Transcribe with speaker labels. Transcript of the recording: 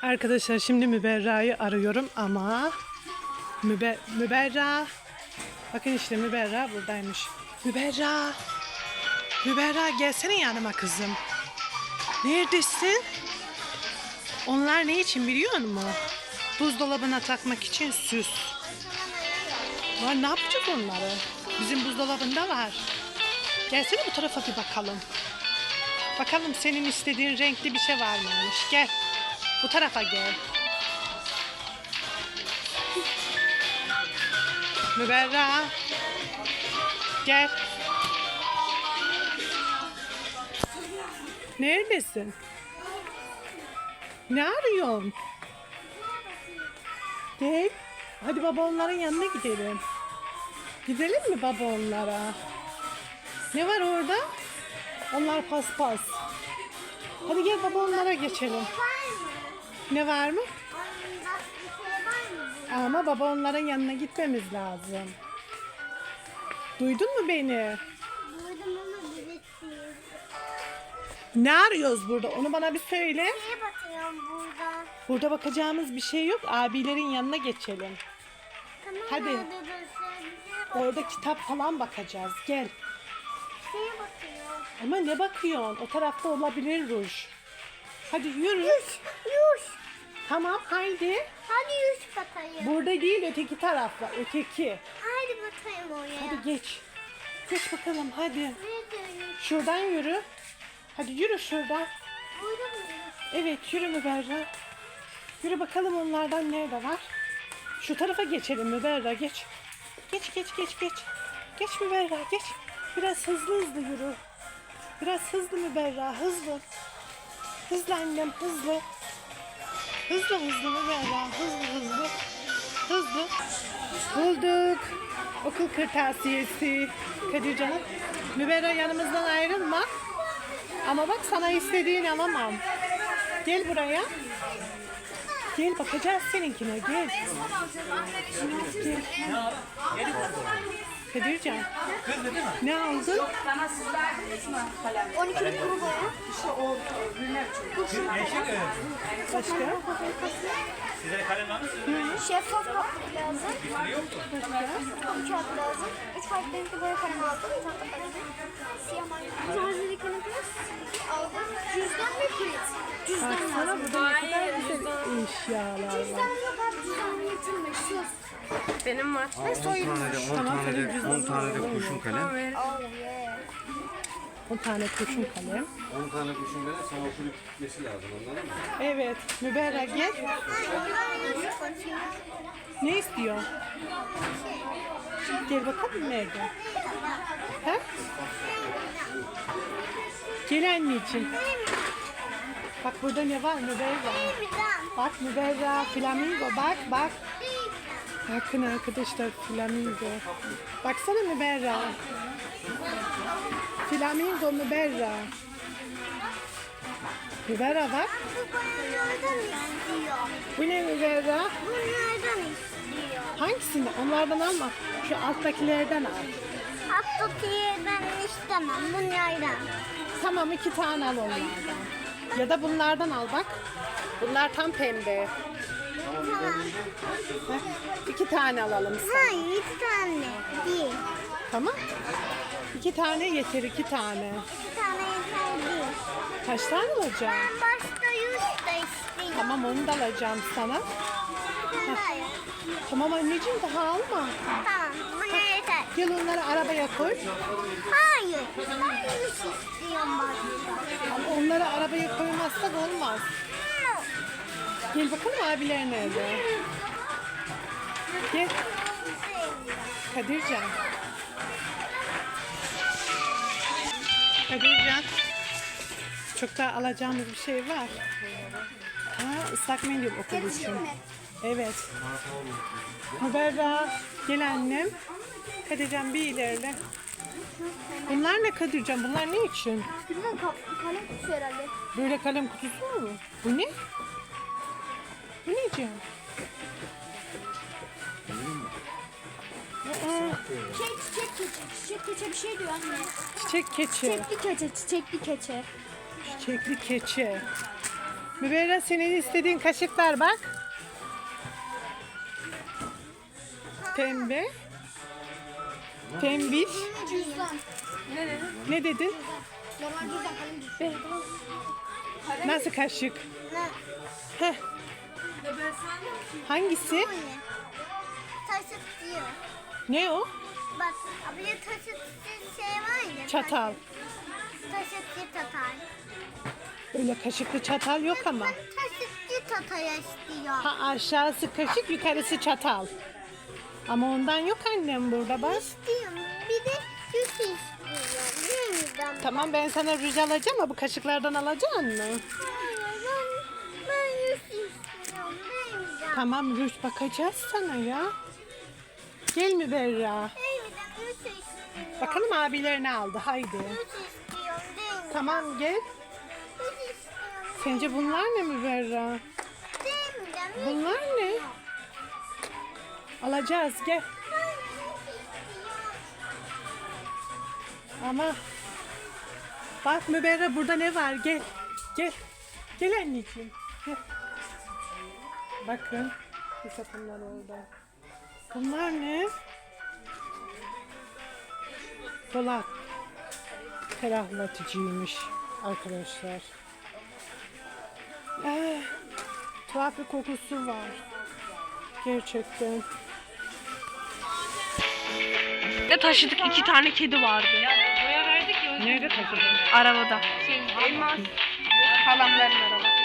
Speaker 1: Arkadaşlar şimdi Müberra'yı arıyorum ama Müberra, bakın işte Müberra buradaymış. Müberra gelsene yanıma kızım. Neredesin? Onlar ne için biliyor musun? Buzdolabına takmak için süs. Var, ne yapacağız onları? Bizim buzdolabında var. Gelsene bu tarafa bir bakalım. Bakalım senin istediğin renkli bir şey var mıymış? Gel. Bu tarafa gel. Müberra. Gel. Neredesin? Ne arıyorsun? Gel. Hadi baba onların yanına gidelim. Gidelim mi baba onlara? Ne var orada? Onlar paspas. Hadi gel baba onlara geçelim. Ne var mı? Ama baba onların yanına gitmemiz lazım. Duydun mu beni?
Speaker 2: Duydum ama bilmiyorum.
Speaker 1: Ne arıyoruz burada? Onu bana bir söyle.
Speaker 2: Neye bakıyorum burada?
Speaker 1: Burada bakacağımız bir şey yok. Abilerin yanına geçelim.
Speaker 2: Tamam,
Speaker 1: Hadi.
Speaker 2: nerede dursun?
Speaker 1: Orada kitap falan bakacağız. Gel.
Speaker 2: Neye bakıyorum?
Speaker 1: Ama ne bakıyorsun? O tarafta olabilir ruj. Hadi yürü.
Speaker 2: Yuş.
Speaker 1: Tamam haydi.
Speaker 2: Hadi yuş bakayım.
Speaker 1: Burada değil, öteki tarafta. Öteki.
Speaker 2: Hadi bakayım oraya.
Speaker 1: Hadi geç. Geç bakalım hadi.
Speaker 2: Nerede yuş?
Speaker 1: Şuradan yürü. Hadi yürü şuradan.
Speaker 2: Burada mı yuş?
Speaker 1: Evet yürü Müberra. Yürü bakalım onlardan nerede var. Şu tarafa geçelim Müberra, geç. Geç. Geç Müberra, geç. Biraz hızlı yürü. Biraz hızlı Müberra, hızlı. Hızlı annem, hızlı. Hızlı Müberra, hızlı. Bulduk. Okul kırtasiyesi. Kadir canım. Müberra yanımızdan ayrılma. Ama bak sana istediğini alamam. Gel buraya. Gel bakacağız seninkine, gel. Gel. Kadircan. Ne aldın?
Speaker 2: 12'lik kuru boya.
Speaker 1: Başka?
Speaker 2: Şeffaf kaplık lazım. Üç kağıt lazım. 3 farklı renkli boya kalemi aldım. Bir tane de kalemi. Siyah mavi. Malzemeliklerini aldım. Cüzdan ve kilit. Cüzdan
Speaker 1: Baksana
Speaker 2: lazım.
Speaker 1: burada ne kadar güzel eşyalar var.
Speaker 2: Cüzdan yok abi, cüzdan getirme. Sus.
Speaker 3: Benim var.
Speaker 4: 10 tane de kurşun kalem.
Speaker 2: Oh yeah.
Speaker 1: 10 tane kurşun kalem.
Speaker 4: 10 tane kurşun kalem sana okulu gitmesi lazım, anladın mı?
Speaker 1: Evet. Müberra gel. Ne istiyor? Gel bakalım nerede? Ha? Gel anneciğim. Bak burada ne var Müberra? Bak Müberra, flamingo, bak. Bakın arkadaşlar, flamingo. Baksana Müberra. Flamingo Müberra. Müberra bak.
Speaker 2: Bunlardan istiyor.
Speaker 1: Bu ne Müberra?
Speaker 2: Bunlardan istiyor.
Speaker 1: Hangisini? Onlardan alma. Şu alttakilerden al.
Speaker 2: Hatta yerden istemem. Bunlardan.
Speaker 1: Tamam 2 tane al onlardan. Ya da bunlardan al bak. Bunlar tam pembe.
Speaker 2: Tamam.
Speaker 1: 2 tane alalım sana.
Speaker 2: Hayır, 2 tane değil.
Speaker 1: Tamam. 2 tane yeter, 2 tane.
Speaker 2: 2 tane yeter değil.
Speaker 1: Kaç tane alacağım?
Speaker 2: Ben başka yüz de istiyorum.
Speaker 1: Tamam onu da alacağım sana.
Speaker 2: Hayır.
Speaker 1: Tamam anneciğim daha alma.
Speaker 2: Tamam, buna yeter.
Speaker 1: Gel onları arabaya koy.
Speaker 2: Hayır, ben yüz istiyorum başka.
Speaker 1: Ama onları arabaya koymazsak olmaz. Gel bakalım abiler nerede? Gel. Kadircan. Kadircan. Çok daha alacağımız bir şey var. Ha, ıslak mendil okul için. Evet. Müberra. Gel annem. Kadircan bir ilerle. Bunlar ne Kadircan? Bunlar ne için?
Speaker 2: Bilmem, kalem kutusu herhalde.
Speaker 1: Böyle kalem kutusu mu? Bu ne? Bu ne Can? Aa,
Speaker 2: Çiçek keçe bir şey diyor anne.
Speaker 1: çiçek keçi.
Speaker 2: Çiçekli keçe.
Speaker 1: Çiçekli keçe. Müberra senin istediğin kaşıklar bak. Pembe. Pembiş.
Speaker 2: Cüzdan.
Speaker 1: Ne dedin?
Speaker 2: Normal cüzdan kalem cüzdan.
Speaker 1: Nasıl kaşık?
Speaker 2: Ne?
Speaker 1: Heh. Hangisi?
Speaker 2: Anne. Taşıt diyor.
Speaker 1: Ne o?
Speaker 2: Bak abla taşıt şey var ya.
Speaker 1: Çatal.
Speaker 2: Taşıtçı tatar.
Speaker 1: Öyle kaşıklı çatal yok ama.
Speaker 2: Taşıtçı tatar istiyor.
Speaker 1: Ha, aşağısı kaşık, yukarısı çatal. Ama ondan yok annem burada bak.
Speaker 2: İstiyorum. Bir de süs istiyorum. Yeniden.
Speaker 1: Tamam ben sana ruj alacağım ama bu kaşıklardan alacaksın mı?
Speaker 2: Hayır ben süs istiyorum. Yeniden.
Speaker 1: Tamam ruj bakacağız sana ya. Gel mi Berra?
Speaker 2: Yeniden süs istiyorum.
Speaker 1: Bakalım abiler ne aldı haydi.
Speaker 2: Süs istiyorum. Yeniden.
Speaker 1: Tamam gel.
Speaker 2: Süs istiyorum.
Speaker 1: Sence bunlar ne mi Berra?
Speaker 2: Yeniden.
Speaker 1: Bunlar ne? Alacağız gel. Ama bak Müberra burada ne var gel. Gel. Gel anneciğim. Gel. Bakın. Bu sapınlar orada. Bunlar ne? Dolap. Ferahlatıcıymış arkadaşlar. Tuhaf bir kokusu var. Gerçekten.
Speaker 3: Ne taşıdık? 2 tane kedi vardı.
Speaker 1: Nerede taşıdın?
Speaker 3: Arabada. Elmas. Halamların arabası.